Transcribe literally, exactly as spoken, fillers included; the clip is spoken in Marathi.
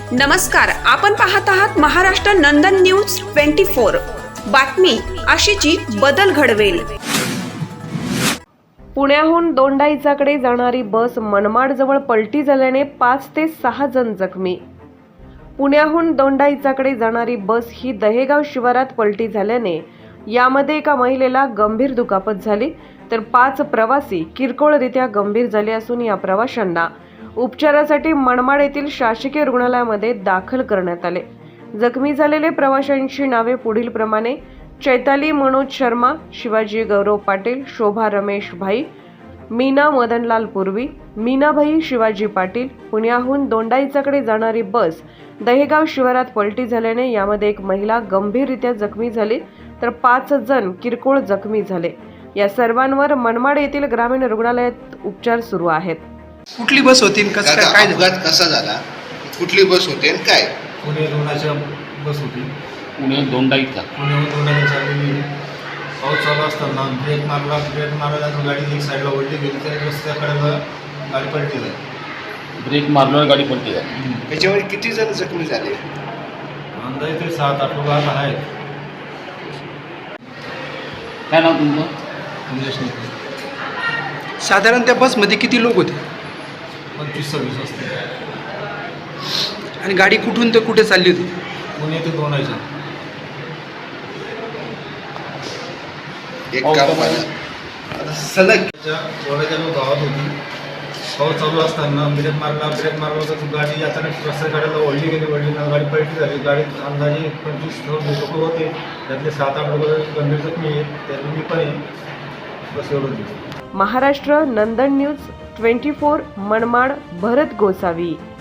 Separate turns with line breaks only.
नमस्कार, आपण पाहत आहात Maharashtra Nandan news twenty four. बातमी अशीची बदल घडवेल।
पुण्याहून दोंडाईचाकडे जाणारी बस मनमाडजवळ पलटी झाल्याने पाच ते सहा जण जखमी। पुण्याहून दोंडाईचाकडे जाणारी बस ही दहेगाव शिवारात पलटी झाल्याने यामध्ये एका महिलेला गंभीर दुखापत झाली, तर पाच प्रवासी किरकोळरित्या गंभीर झाले असून या प्रवाशांना उपचारासाठी मनमाड येथील शासकीय रुग्णालयामध्ये दाखल करण्यात आले। जखमी झालेले प्रवाशांची नावे पुढील प्रमाणे: चैताली मनोज शर्मा, शिवाजी गौरव पाटील, शोभा रमेश भाई, मीना मदनलाल पूर्वी, मीनाभाई शिवाजी पाटील। पुण्याहून दोंडाईचाकडे जाणारी बस दहेगाव शिवारात पलटी झाल्याने यामध्ये एक महिला गंभीररित्या जखमी झाली, तर पाच जण किरकोळ जखमी झाले। या सर्वांवर मनमाड येथील ग्रामीण रुग्णालयात उपचार सुरू आहेत।
कुठली बस होती, कसं काय काय
अपघात कसा झाला, कुठली बस होती आणि काय?
पुणे दोंडाईची बस होती।
पुणे दोंडाईचा
पुण्याहून दोंडाईला चाललेली, पाऊस चालू असताना ब्रेक मारला ब्रेक मारला तर गाडी एक साईडला उलटी गेली, तर रस्त्याकडे गाडी पलटी झाली।
ब्रेक मारल्यावर गाडी पलटी झाली।
त्याच्यावर किती जण जखमी झाले?
अंदाजे तरी सात आठ लोक आता आहेत।
काय नाव तुमचं?
इंग्लिश नाही,
साधारण त्या बसमध्ये किती लोक होते
पंचवीस सव्वीस असते।
आणि गाडी कुठून ते कुठे चालली होती?
पुणे ते दोंडाईच्या।
एक काम पाहिलं आता सलग
दोंडाईच्या गावात होती, पाऊस चालू असताना ब्रेक मारला ब्रेक मारला तर गाडी अचानक रस्त्याकडेला ओढली गेली ओढली गाडी पलटी झाली। गाडीत अंदाजे पंचवीस लोक होते, त्यातले सात आठ लोक गंभीर जखमी आहेत, त्यातून मी पण आहे। बस एवढं।
Maharashtra Nandan news twenty four Manmad, Bharat Gosavi.